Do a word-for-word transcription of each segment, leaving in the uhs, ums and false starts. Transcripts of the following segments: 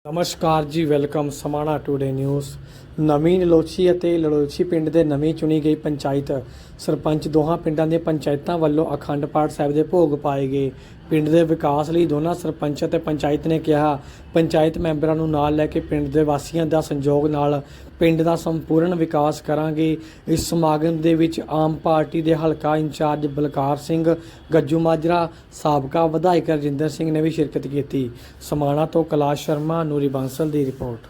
ਨਮਸਕਾਰ ਜੀ, welcome Samana today news. ਨਵੀਂ ਲਲੋਚੀ ਅਤੇ ਲਲੋਚੀ ਪਿੰਡ ਦੇ ਨਵੀਂ ਚੁਣੀ ਗਈ ਪੰਚਾਇਤ ਸਰਪੰਚ ਦੋਹਾਂ ਪਿੰਡਾਂ ਦੀਆਂ ਪੰਚਾਇਤਾਂ ਵੱਲੋਂ ਅਖੰਡ ਪਾਠ ਸਾਹਿਬ ਦੇ ਭੋਗ ਪਾਏ ਗਏ। ਪਿੰਡ ਦੇ ਵਿਕਾਸ ਲਈ ਦੋਨਾਂ ਸਰਪੰਚ ਅਤੇ ਪੰਚਾਇਤ ਨੇ ਕਿਹਾ, ਪੰਚਾਇਤ ਮੈਂਬਰਾਂ ਨੂੰ ਨਾਲ ਲੈ ਕੇ ਪਿੰਡ ਦੇ ਵਾਸੀਆਂ ਦਾ ਸੰਯੋਗ ਨਾਲ ਪਿੰਡ ਦਾ ਸੰਪੂਰਨ ਵਿਕਾਸ ਕਰਾਂਗੇ। ਇਸ ਸਮਾਗਮ ਦੇ ਵਿੱਚ ਆਮ ਪਾਰਟੀ ਦੇ ਹਲਕਾ ਇੰਚਾਰਜ ਬਲਕਾਰ ਸਿੰਘ ਗੱਜੂ ਮਾਜਰਾ, ਸਾਬਕਾ ਵਿਧਾਇਕ ਰਜਿੰਦਰ ਸਿੰਘ ਨੇ ਵੀ ਸ਼ਿਰਕਤ ਕੀਤੀ। ਸਮਾਣਾ ਤੋਂ ਕੈਲਾਸ਼ ਸ਼ਰਮਾ, ਨੂਰੀ ਬਾਂਸਲ ਦੀ ਰਿਪੋਰਟ।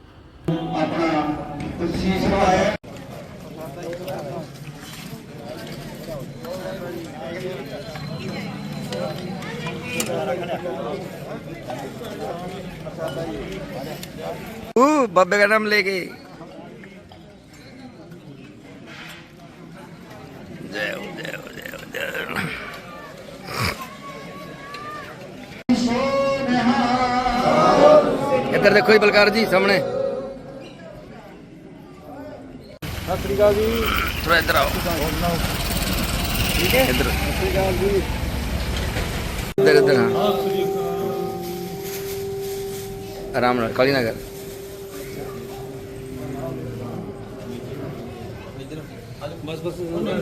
बाबे का नाम लेके जय हो जय हो जय हो जय हो। इधर देखो जी बलकार जी सामने। सत श्री अकाल जी। थोड़ा इधर आओ। ठीक है इधर इधर इधर हाँ आराम रहा काली नगर। बस बस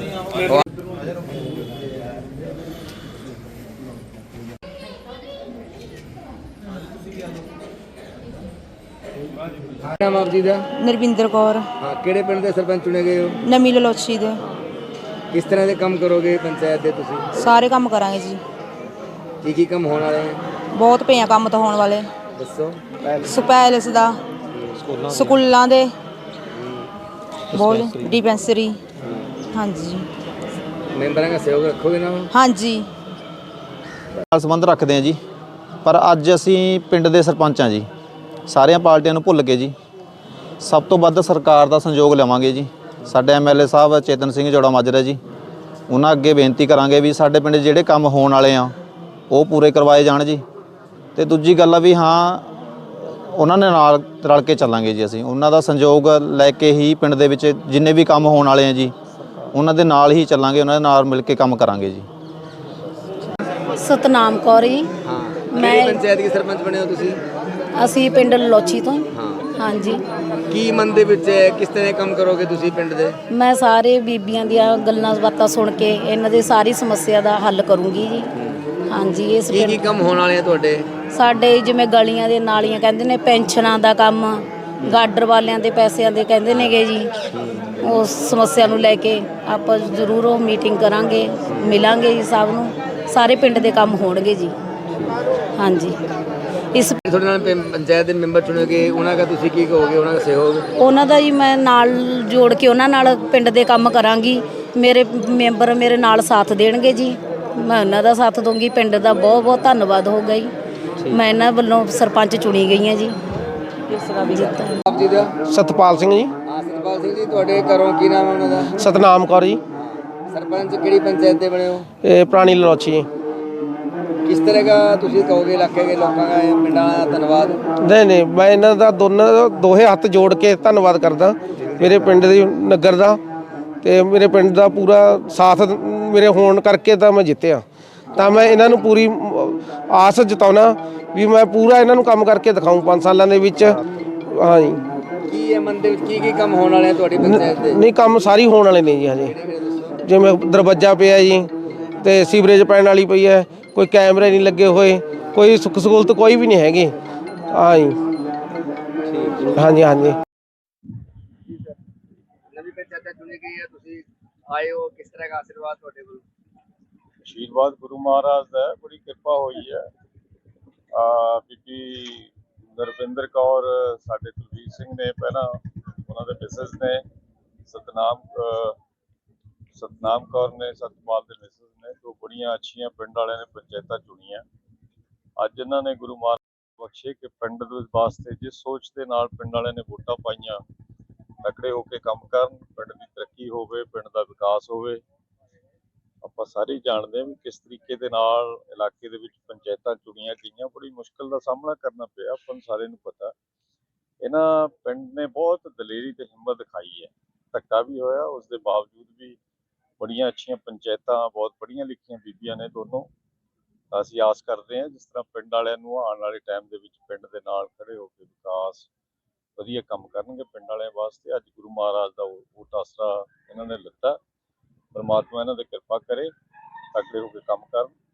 नाम आप जी दा? नरविंदर कौर। हाँ किहड़े पिंड दे सरपंच चुने गए हो? नवी ललोची दे। किस तरह के काम करोगे पंचायत दे तुसी? सारे काम करांगे जी। की की काम होने वाले हैं? बहुत पे हैं काम तो होने वाले। दसो। पैलेस दा, स्कूलों दे, बोल डिस्पेंसरी। हाँ जी। ਮੈਂਬਰਾਂ ਦਾ ਸਹਿਯੋਗ ਰੱਖੋਗੇ ਨਾ? हाँ जी। ਨਾਲ ਸੰਬੰਧ ਰੱਖਦੇ ਹਾਂ ਜੀ, ਪਰ ਅੱਜ ਅਸੀਂ ਪਿੰਡ ਦੇ ਸਰਪੰਚ ਹਾਂ ਜੀ। ਸਾਰੀਆਂ ਪਾਰਟੀਆਂ ਨੂੰ ਭੁੱਲ ਕੇ ਜੀ ਸਭ ਤੋਂ ਵੱਧ ਸਰਕਾਰ ਦਾ ਸੰਯੋਗ ਲਵਾਂਗੇ ਜੀ। ਸਾਡੇ ਐਮਐਲਏ ਸਾਹਿਬ ਚੇਤਨ ਸਿੰਘ ਜੋੜਾ ਮਾਜਰਾ ਜੀ, ਉਹਨਾਂ ਅੱਗੇ ਬੇਨਤੀ ਕਰਾਂਗੇ ਵੀ ਸਾਡੇ ਪਿੰਡ ਜਿਹੜੇ ਕੰਮ ਹੋਣ ਵਾਲੇ ਆ ਉਹ ਪੂਰੇ ਕਰਵਾਏ ਜਾਣ ਜੀ। ਤੇ ਦੂਜੀ ਗੱਲ ਆ ਵੀ ਹਾਂ ਉਹਨਾਂ ਨੇ ਨਾਲ ਰਲ ਕੇ ਚੱਲਾਂਗੇ ਜੀ। ਅਸੀਂ ਉਹਨਾਂ ਦਾ ਸੰਯੋਗ ਲੈ ਕੇ ਹੀ ਪਿੰਡ ਦੇ ਵਿੱਚ ਜਿੰਨੇ ਵੀ ਕੰਮ ਹੋਣ ਵਾਲੇ ਆ ਜੀ ਉਹਨਾਂ ਦੇ ਨਾਲ ਹੀ ਚੱਲਾਂਗੇ, ਉਹਨਾਂ ਦੇ ਨਾਲ ਮਿਲ ਕੇ ਕੰਮ ਕਰਾਂਗੇ ਜੀ। सतनाम कौर जी। हाँ मैं पंचायत के सरपंच बने हो तुसी? ਅਸੀਂ ਪਿੰਡ ਲੋਚੀ ਤੋਂ। हाँ ਹਾਂਜੀ। ਕੀ ਮਨ ਦੇ ਵਿੱਚ ਹੈ, ਕਿਸ ਤਰ੍ਹਾਂ ਕੰਮ ਕਰੋਗੇ ਤੁਸੀਂ ਪਿੰਡ ਦੇ? ਮੈਂ ਸਾਰੇ ਬੀਬੀਆਂ ਦੀਆਂ ਗੱਲਾਂ ਬਾਤਾਂ ਸੁਣ ਕੇ ਇਹਨਾਂ ਦੀ ਸਾਰੀ ਸਮੱਸਿਆ ਦਾ ਹੱਲ ਕਰੂੰਗੀ ਜੀ। ਹਾਂਜੀ। ਇਸ ਕੀ ਕੀ ਕੰਮ ਹੋਣ ਵਾਲੇ ਆ ਤੁਹਾਡੇ? ਸਾਡੇ ਜਿਵੇਂ ਗਲੀਆਂ ਦੇ ਨਾਲੀਆਂ ਕਹਿੰਦੇ ਨੇ, ਪੈਨਸ਼ਨਾਂ ਦਾ ਕੰਮ, ਗਾਡਰ ਵਾਲਿਆਂ ਦੇ ਪੈਸਿਆਂ ਦੇ ਕਹਿੰਦੇ ਨੇਗੇ ਜੀ। ਉਸ ਸਮੱਸਿਆ ਨੂੰ ਲੈ ਕੇ ਆਪਾਂ ਜ਼ਰੂਰ ਉਹ ਮੀਟਿੰਗ ਕਰਾਂਗੇ, ਮਿਲਾਂਗੇ ਜੀ ਸਭ ਨੂੰ। ਸਾਰੇ ਪਿੰਡ ਦੇ ਕੰਮ ਹੋਣਗੇ ਜੀ। ਹਾਂਜੀ। ਇਸ ਤੁਹਾਡੇ ਨਾਲ ਪਿੰ- ਪੰਚਾਇਤ ਦੇ ਮੈਂਬਰ ਚੁਣੋਗੇ, ਉਹਨਾਂ ਦਾ ਤੁਸੀਂ ਕੀ ਕਹੋਗੇ, ਉਹਨਾਂ ਦਾ ਸਹਿਯੋਗ? ਉਹਨਾਂ ਦਾ ਜੀ ਮੈਂ ਨਾਲ ਜੋੜ ਕੇ ਉਹਨਾਂ ਨਾਲ ਪਿੰਡ ਦੇ ਕੰਮ ਕਰਾਂਗੀ। ਮੇਰੇ ਮੈਂਬਰ ਮੇਰੇ ਨਾਲ ਸਾਥ ਦੇਣਗੇ ਜੀ, ਮੈਂ ਉਹਨਾਂ ਦਾ ਸਾਥ ਦੂੰਗੀ। ਪਿੰਡ ਦਾ ਬਹੁਤ ਬਹੁਤ ਧੰਨਵਾਦ ਹੋਊਗਾ ਜੀ। ਮੈਂ ਇਹਨਾਂ ਵੱਲੋਂ ਸਰਪੰਚ ਚੁਣੀ ਗਈ ਹਾਂ ਜੀ। ਇਸ ਤਰ੍ਹਾਂ ਵੀ ਜਿੱਤਾ ਆਪ ਜੀ ਦਾ? ਸਤਪਾਲ ਸਿੰਘ ਜੀ। ਹਾਂ ਸਤਪਾਲ ਸਿੰਘ ਜੀ, ਤੁਹਾਡੇ ਘਰੋਂ ਕੀ ਨਾਮ ਹੈ ਉਹਨਾਂ ਦਾ? ਸਤਨਾਮ ਕੌਰ ਜੀ। ਸਰਪੰਚ ਕਿਹੜੀ ਪੰਚਾਇਤ ਦੇ ਬਣੇ ਹੋ? ਇਹ ਪੁਰਾਣੀ ਲਲੋਚੀ ਜੀ। ਕਿਸ ਤਰ੍ਹਾਂ ਦਾ ਤੁਸੀਂ ਕਹੋਗੇ ਇਲਾਕੇ ਦੇ ਲੋਕਾਂ ਦਾ, ਪਿੰਡਾਂ ਦਾ ਧੰਨਵਾਦ? ਨਹੀਂ ਨਹੀਂ ਮੈਂ ਇਹਨਾਂ ਦਾ ਦੋਨਾਂ ਦਾ ਦੋਹੇ ਹੱਥ ਜੋੜ ਕੇ ਧੰਨਵਾਦ ਕਰਦਾ, ਮੇਰੇ ਪਿੰਡ ਦੇ ਨਗਰ ਦਾ ਤੇ ਮੇਰੇ ਪਿੰਡ ਦਾ ਪੂਰਾ ਸਾਥ ਮੇਰੇ ਹੋਣ ਕਰਕੇ ਤਾਂ ਮੈਂ ਜਿੱਤਿਆ। ਤਾਂ ਮੈਂ ਇਹਨਾਂ ਨੂੰ ਪੂਰੀ ਆਸ ਜਤਾਉਣਾ ਵੀ ਮੈਂ ਪੂਰਾ ਇਹਨਾਂ ਨੂੰ ਕੰਮ ਕਰਕੇ ਦਿਖਾਊਂ ਪੰਜ ਸਾਲਾਂ ਦੇ ਵਿੱਚ। ਹਾਂ ਜੀ। ਕੀ ਹੈ ਮਨ ਦੇ ਵਿੱਚ, ਕੀ ਕੀ ਕੰਮ ਹੋਣ ਵਾਲੇ ਆ ਤੁਹਾਡੀ ਪੰਚਾਇਤ ਦੇ? ਨਹੀਂ ਕੰਮ ਸਾਰੀ ਹੋਣ ਵਾਲੇ ਨੇ ਜੀ ਹਜੇ। ਜਿਵੇਂ ਦਰਵਾਜ਼ਾ ਪਿਆ ਜੀ ਤੇ ਸੀਵਰੇਜ ਪੈਣ ਵਾਲੀ ਪਈ ਹੈ, ਕੋਈ ਕੈਮਰੇ ਨਹੀਂ ਲੱਗੇ ਹੋਏ, ਕੋਈ ਸੁੱਖ ਸਹੂਲਤ ਕੋਈ ਵੀ ਨਹੀਂ ਹੈਗੀ। ਹਾਂ ਜੀ। ਹਾਂਜੀ ਹਾਂਜੀ। ਨਵੀਂ ਪੰਚਾਇਤ ਚੁਣੀ ਗਈ ਹੈ, ਤੁਸੀਂ ਆਏ ਹੋ, ਕਿਸ ਤਰ੍ਹਾਂ ਦਾ ਆਸ਼ੀਰਵਾਦ ਤੁਹਾਡੇ ਕੋਲ? ਆਸ਼ੀਰਵਾਦ ਗੁਰੂ ਮਹਾਰਾਜ ਦਾ, ਬੜੀ ਕਿਰਪਾ ਹੋਈ ਹੈ। ਬੀਬੀ ਨਰਵਿੰਦਰ ਕੌਰ, ਸਾਡੇ ਕੁਲਵੀਰ ਸਿੰਘ ਨੇ ਪਹਿਲਾਂ, ਉਹਨਾਂ ਦੇ ਮਿਸਿਸ ਨੇ ਸਤਨਾਮ ਸਤਨਾਮ ਕੌਰ ਨੇ, ਸਤਪਾਲ ਦੇ ਮਿਸਿਸ ਨੇ। ਦੋ ਬੜੀਆਂ ਅੱਛੀਆਂ ਪਿੰਡ ਵਾਲਿਆਂ ਨੇ ਪੰਚਾਇਤਾਂ ਚੁਣੀਆਂ। ਅੱਜ ਇਹਨਾਂ ਨੇ ਗੁਰੂ ਮਹਾਰਾਜ ਬਖਸ਼ੇ ਕਿ ਪਿੰਡ ਦੇ ਵਾਸਤੇ ਜਿਸ ਸੋਚ ਦੇ ਨਾਲ ਪਿੰਡ ਵਾਲਿਆਂ ਨੇ ਵੋਟਾਂ ਪਾਈਆਂ, ਤਕੜੇ ਹੋ ਕੇ ਕੰਮ ਕਰਨ, ਪਿੰਡ ਦੀ ਤਰੱਕੀ ਹੋਵੇ, ਪਿੰਡ ਦਾ ਵਿਕਾਸ ਹੋਵੇ। ਆਪਾਂ ਸਾਰੇ ਜਾਣਦੇ ਹਾਂ ਵੀ ਕਿਸ ਤਰੀਕੇ ਦੇ ਨਾਲ ਇਲਾਕੇ ਦੇ ਵਿੱਚ ਪੰਚਾਇਤਾਂ ਚੁਣੀਆਂ ਗਈਆਂ। ਬੜੀ ਮੁਸ਼ਕਲ ਦਾ ਸਾਹਮਣਾ ਕਰਨਾ ਪਿਆ, ਆਪਾਂ ਨੂੰ ਸਾਰਿਆਂ ਨੂੰ ਪਤਾ। ਇਹਨਾਂ ਪਿੰਡ ਨੇ ਬਹੁਤ ਦਲੇਰੀ ਤੇ ਹਿੰਮਤ ਦਿਖਾਈ ਹੈ। ਧੱਕਾ ਵੀ ਹੋਇਆ, ਉਸ ਦੇ ਬਾਵਜੂਦ ਵੀ ਬੜੀਆਂ ਅੱਛੀਆਂ ਪੰਚਾਇਤਾਂ, ਬਹੁਤ ਪੜ੍ਹੀਆਂ ਲਿਖੀਆਂ ਬੀਬੀਆਂ ਨੇ ਦੋਨੋਂ, ਤਾਂ ਅਸੀਂ ਆਸ ਕਰਦੇ ਹਾਂ ਜਿਸ ਤਰ੍ਹਾਂ ਪਿੰਡ ਵਾਲਿਆਂ ਨੂੰ ਆਉਣ ਵਾਲੇ ਟਾਈਮ ਦੇ ਵਿੱਚ ਪਿੰਡ ਦੇ ਨਾਲ ਖੜੇ ਹੋ ਕੇ ਵਿਕਾਸ ਵਧੀਆ ਕੰਮ ਕਰਨਗੇ ਪਿੰਡ ਵਾਲਿਆਂ ਵਾਸਤੇ। ਅੱਜ ਗੁਰੂ ਮਹਾਰਾਜ ਦਾ ਓਟ ਆਸਰਾ ਇਹਨਾਂ ਨੇ ਲਿੱਤਾ, ਪਰਮਾਤਮਾ ਇਹਨਾਂ ਤੇ ਕਿਰਪਾ ਕਰੇ, ਤਕੜੇ ਹੋ ਕੇ ਕੰਮ ਕਰਨ।